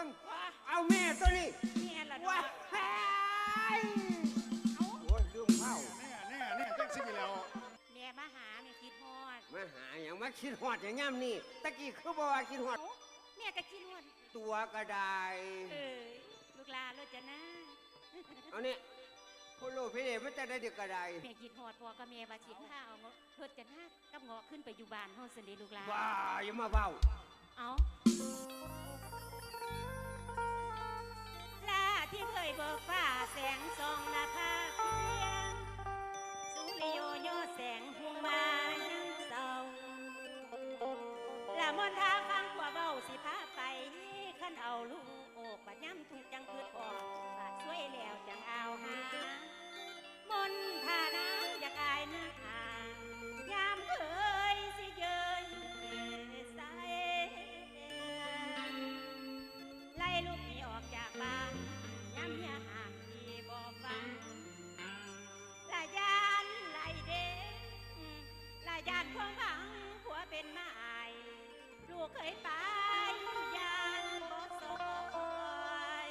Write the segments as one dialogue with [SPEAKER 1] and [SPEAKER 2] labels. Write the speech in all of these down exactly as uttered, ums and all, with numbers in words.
[SPEAKER 1] งเอาแม่ตัวนี้
[SPEAKER 2] แม่ละ
[SPEAKER 1] ว้า
[SPEAKER 2] เนาะ
[SPEAKER 1] โอ้ยลืมเผา
[SPEAKER 3] แน่แน่แน่จังสิแล้ว
[SPEAKER 2] แม่มาหาแม่คิดฮอด
[SPEAKER 1] มาหาอย่างมาคิดฮอดอย่างย่ำนี่ตะกี้คือบอกว่าคิดฮอด
[SPEAKER 2] แม่ก็คิดฮอด
[SPEAKER 1] ตัวกระได
[SPEAKER 2] เออลูกลาโลจะนะ
[SPEAKER 1] เอาเนี่ยพ่อโลพี่เอ๋มันจะได้เด็กกระได
[SPEAKER 2] แม่คิดฮอดพ่อกับแม่ว่าสิพาเอารถจะนะกับเงาะขึ้นไปอยู่บ้านเฮาซั่นเด้ลูกลา
[SPEAKER 1] ว้าอย่ามาเบา
[SPEAKER 2] เอาลาที่เคยเบิกฟ้าแสงส่องหน้าผาเพียงสุริโยโยแสงหุงมายังเศร้าละมนทาฟังกว่าเบาสิพาไปขันเอาลูกโอกบัดย้ำถูกจังคืดออกบาดช่วยแล้วจังเอาหามนทาน้ำอยากอายหน้ายามเคยสิเยินใสไล่ลูกหนีออกจากบ้านย้ำเมียห่างที่บ่ฟังละยานไล่เด้งละยานความหวังผัวเป็นไม้ลูกเคยไปยานบ่สอย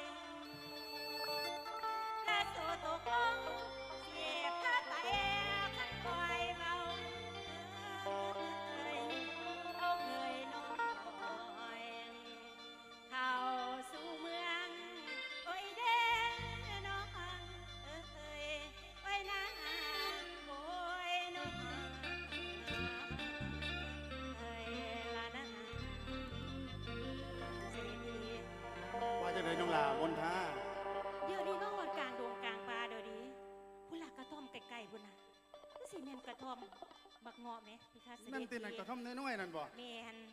[SPEAKER 2] และโซตกลงเสียพาไปขันคอยเมาเอ้ยเอาเอ่ยน้อยเข้าสู่เมืองโอ้ยเด้น้องเอ้ยโอ้ยนางโอ้ยน้อง
[SPEAKER 3] ว่าจะเลยน้องลาบนท่า
[SPEAKER 2] เดี๋ยวนี้น้องวัดกลางดงกลางป่าเดี๋ยวนี้พุ่นละกระท่อมไกลๆพุ่นน่ะก็สิแม่นกระท่อมบักเงาะไหมพี่คะเสด็จ
[SPEAKER 3] นั่นตีนั่นกระท่อมน้อยๆนั่นบ่
[SPEAKER 2] แม่น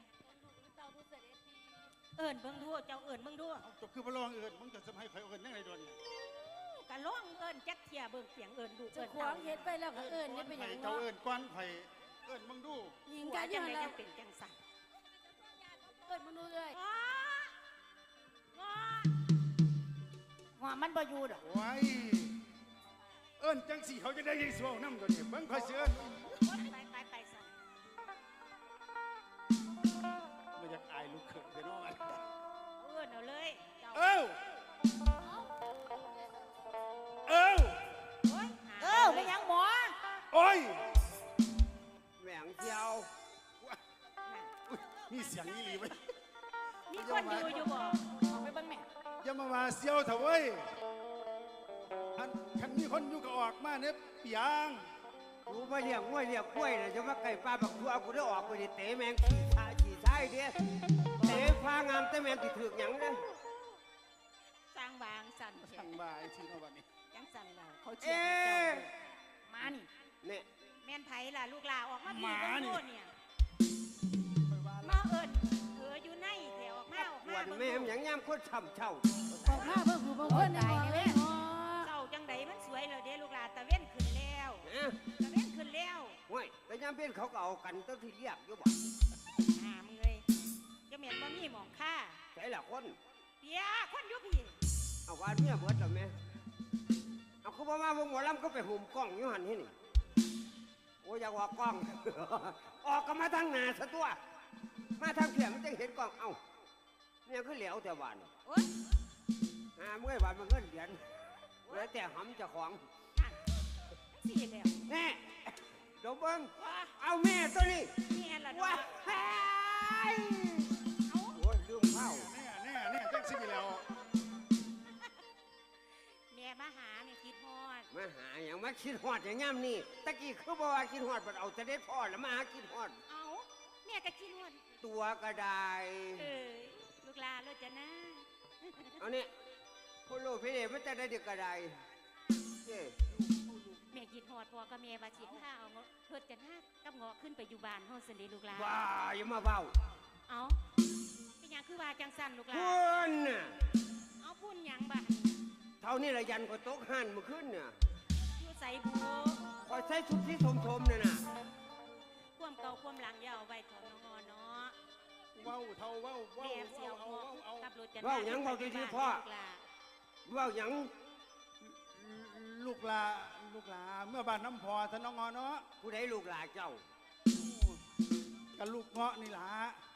[SPEAKER 2] เอิญเบิ่งดูเจ้าเอิญเบิ่งดู
[SPEAKER 3] จบคือพระรองเอิญมึงจะสมัยใครเอิญยังไงโดน
[SPEAKER 2] กะล่องเอิญจักเทียเบิ่งเสียงเอิญดู
[SPEAKER 4] เอิญขวางเฮ็ดไปแล้วก็เอิญนี่เป็นอย่าง
[SPEAKER 3] เจ้าเอิญก้อนไผ่เอิญมึงดู
[SPEAKER 2] ยิงกันยังไงยังเป็นจังสั่น
[SPEAKER 4] เอิญมึงดูเลย
[SPEAKER 2] งอ
[SPEAKER 4] หัวมันบ่อยู่ดอก
[SPEAKER 3] ไว้เอิญจังสีเขาจะได้ยินสวงน้ำตัวนี้เบิ่งคอยเสือน
[SPEAKER 2] ไปไปไปสั่น
[SPEAKER 3] ไม่อยากอายลูกเขยเดี๋ยวน้องอัน
[SPEAKER 2] เอิญเอาเลย
[SPEAKER 3] เอ้าเอ้า
[SPEAKER 4] เอ้าเป็นยังหมอ
[SPEAKER 3] โอ้ย
[SPEAKER 1] แหวงเจียว
[SPEAKER 3] มีเสียงนี่หรือไหม
[SPEAKER 2] มีคนอยู่อยู่บ่
[SPEAKER 4] ออกไปเบิ่งแม่
[SPEAKER 3] อย่ามาว่าเสียวเถอะเว้ยอันคันมีคนอยู่ก็ออกมาเนี่ยเปียง
[SPEAKER 1] รู้มาเรียกง่วยเรียกกล้วยนะจะมาไก่ปลาบักตัวกูได้ออกไปดิเตะแมงขี่ชาขี่ชายเดียเตะฟ้างามแต่แมงติดถือกหยังเด้
[SPEAKER 2] สร้างบางสั่น
[SPEAKER 3] สั่งบ่ายทีนวันนี้
[SPEAKER 2] ยังสั่นเราเขาเชียร์เจ้ามานี่
[SPEAKER 1] เนี่ย
[SPEAKER 2] แม่นไผ่ล่ะลูกลาออกมาพี่กันโน่นเนี่ยมาเอิญเอออยู่ในแถวออกมาออกมา
[SPEAKER 1] วันแม่ยังย่ำโคตรช่ำเช่า
[SPEAKER 4] ออกมาเบิ่งหูเบิ่งคนได้แม่
[SPEAKER 2] เจ้าจังไดมันสวยเลยเด้ลูกลาตะเว้นขึ้นแล้วตะเว้นขึ้นแล้ว
[SPEAKER 1] โอ้ยแต่ย่ำเป็นเขาก็เอากันตั้งที่เรียกอยู่บ่
[SPEAKER 2] หามเลยจะเหม็นบ่มีหมองค่า
[SPEAKER 1] ใช่ละคน
[SPEAKER 2] เปียคนยุพี่
[SPEAKER 1] เอาวันเมียเบิดหรอแม่เอาเขาบอกว่าวงหมอลำก็ไปหุ่มกล้องอยู่หันที่นี่โอ้ยอยากออกกล้องออกก็มาทางหน้าซะตัวมาทางเขียงมันจะเห็นกล้องเอ้าเนี่ยคือเหลวแต่วัน
[SPEAKER 2] โอ้ย
[SPEAKER 1] หาเมื่อวันมันเงินเหรียญแล้วแต่หำจะของ
[SPEAKER 2] สี่แล้ว
[SPEAKER 1] แน่เดี๋ยวเบิ้งเอาแม่ตัวนี้
[SPEAKER 2] แม่ละ
[SPEAKER 1] ว้าโอ้ยลืมเข้า
[SPEAKER 3] แน่แน่แน่จังสิแล้ว
[SPEAKER 2] แม่มาหาแม่คิดฮอด
[SPEAKER 1] มาหาอย่างมาคิดฮอดอย่างย่ำนี่ตะกี้คือบอกว่าคิดฮอดมันเอาจะได้พอแล้วมาหาคิดฮอด
[SPEAKER 2] เอาแม่ก็คิดฮอด
[SPEAKER 1] ตัวกระได
[SPEAKER 2] เออลูกลาโลจะนะ
[SPEAKER 1] เอาเนี่ยพ่อโลพี่เอ๋มันจะได้เด็กกระได
[SPEAKER 2] แม่คิดฮอดพ่อกับแม่ว่าสิพาเอารถจะนะกับเงาะขึ้นไปอยู่บ้านเฮาซั่นเด้ลูกลา
[SPEAKER 1] ว้าอย่ามาเบา
[SPEAKER 2] เอาเป็นหยังคือว่าจังสั่นลูกลา
[SPEAKER 1] พุ่นน่ะ
[SPEAKER 2] เอาพุ่นหยังบ้า
[SPEAKER 1] เท่านี้ละยันก็ตกห่านเมื่อคืนเนี่ย
[SPEAKER 2] อยู่ใส่บู
[SPEAKER 1] คอยใส่ชุดที่สมๆเนี่ยนะ
[SPEAKER 2] ความเก่าความหลังยาวไว้ถอนงอเนาะ
[SPEAKER 3] ว้าวเท่าว้าวว้าว
[SPEAKER 2] เสียวเอาเอาขับรถจะ
[SPEAKER 1] ว้าวยังว้าวดีๆพ่อว้าวยัง
[SPEAKER 3] ลูกลาลูกลาเมื่อบ้านน้ำพอท่านน้องงอเนาะ
[SPEAKER 1] ผู้ใดลูกลาเจ้า
[SPEAKER 3] กับลูกเงาะนี่ล่ะ